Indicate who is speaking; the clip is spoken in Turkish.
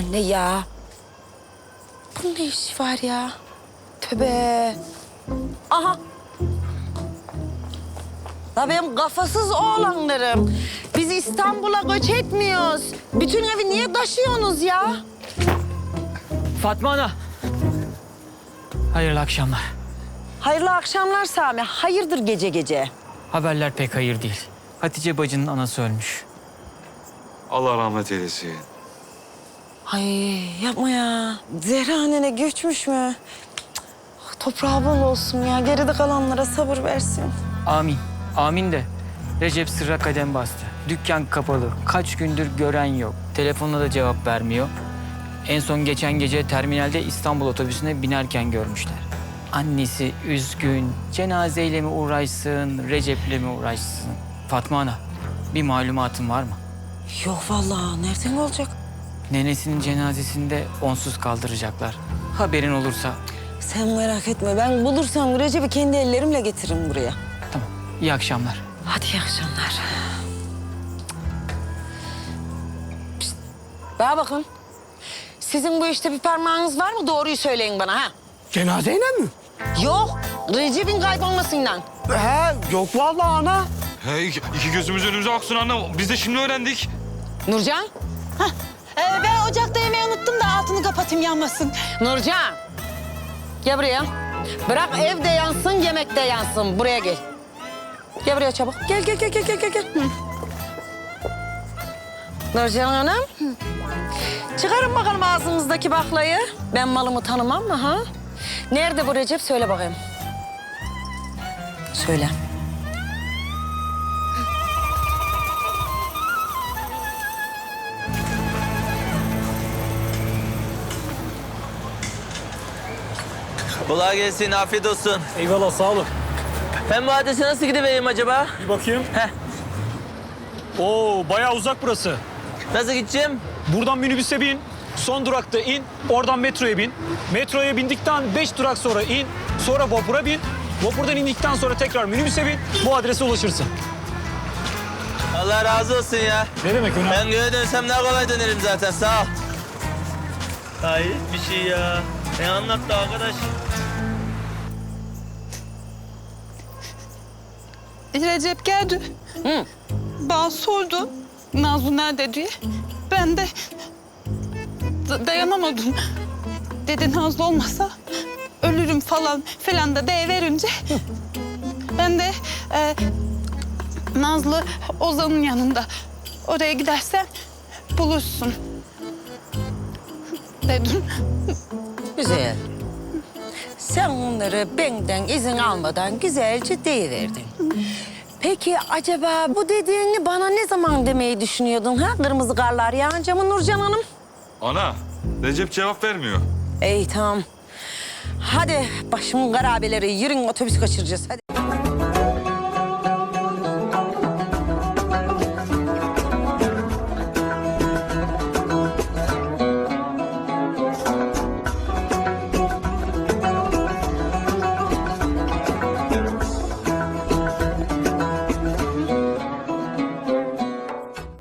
Speaker 1: anne ya. Bunun ne işi var ya? Tövbe. Aha. La benim kafasız oğlanlarım. Biz İstanbul'a göç etmiyoruz. Bütün evi niye taşıyorsunuz ya?
Speaker 2: Fatma Ana. Hayırlı akşamlar.
Speaker 1: Hayırlı akşamlar Sami. Hayırdır gece gece?
Speaker 2: Haberler pek hayır değil. Hatice bacının anası ölmüş.
Speaker 3: Allah rahmet eylesin.
Speaker 1: Ay yapma ya. Zehra annene göçmüş mü? Cık, toprağı bol olsun ya. Geride kalanlara sabır versin.
Speaker 2: Amin. Amin de Recep sırra kadem bastı. Dükkan kapalı. Kaç gündür gören yok. Telefonla da cevap vermiyor. En son geçen gece terminalde İstanbul otobüsüne binerken görmüşler. Annesi üzgün. Cenazeyle mi uğraşsın, Recep'le mi uğraşsın? Fatma Ana, bir malumatın var mı?
Speaker 1: Yok vallahi. Nereden olacak?
Speaker 2: Nenesinin cenazesinde onsuz kaldıracaklar. Haberin olursa.
Speaker 1: Sen merak etme. Ben bulursam Recep'i kendi ellerimle getiririm buraya.
Speaker 2: Tamam. İyi akşamlar.
Speaker 1: Hadi iyi akşamlar. Pişt, bana bakın. Sizin bu işte bir parmağınız var mı? Doğruyu söyleyin bana ha.
Speaker 4: Cenazeyle mi?
Speaker 1: Yok. Recep'in kaybolmasından.
Speaker 4: He, yok vallahi ana.
Speaker 3: He, iki gözümüz önümüze aksın anne. Biz de şimdi öğrendik.
Speaker 1: Nurcan.
Speaker 5: Ben ocakta yemeği unuttum da altını kapatayım yanmasın.
Speaker 1: Nurcan. Gel buraya. Bırak evde yansın, yemekte yansın. Buraya gel. Gel buraya çabuk. Gel. Hı. Nurcan Hanım. Çıkarın bakalım ağzınızdaki baklayı. Ben malımı tanımam mı ha? Nerede bu Recep? Söyle bakayım. Söyle.
Speaker 6: Kolay gelsin, afiyet olsun.
Speaker 4: Eyvallah sağ olun.
Speaker 6: Ben bu adrese nasıl gidivereyim acaba?
Speaker 4: Bir bakayım.
Speaker 6: Heh.
Speaker 4: Oo bayağı uzak burası.
Speaker 6: Nasıl gideceğim?
Speaker 4: Buradan minibüse bin. Son durakta in. Oradan metroya bin. Metroya bindikten 5 durak sonra in. Sonra vapura bin. Vapurdan indikten sonra tekrar minibüse bin. Bu adrese ulaşırsın.
Speaker 6: Allah razı olsun ya.
Speaker 4: Ne demek önemli?
Speaker 6: Ben göğe dönsem daha kolay dönerim zaten, sağ ol. Hayır bir şey ya. Ne anlattı arkadaş?
Speaker 5: Recep geldi.
Speaker 1: Hı.
Speaker 5: Bana sordu Nazlı nerede diye. Ben de dayanamadım. Dedi Nazlı olmasa ölürüm falan da deyiverince. Ben de Nazlı Ozan'ın yanında. Oraya gidersen bulursun dedim.
Speaker 1: Güzel. Sen onları benden izin almadan güzelce deyiverdin. Peki acaba bu dediğini bana ne zaman demeyi düşünüyordun ha? Kırmızı karlar yağınca mı Nurcan Hanım?
Speaker 3: Ana, Recep cevap vermiyor.
Speaker 1: İyi tamam. Hadi başımın garabeleri yürün otobüs kaçıracağız hadi.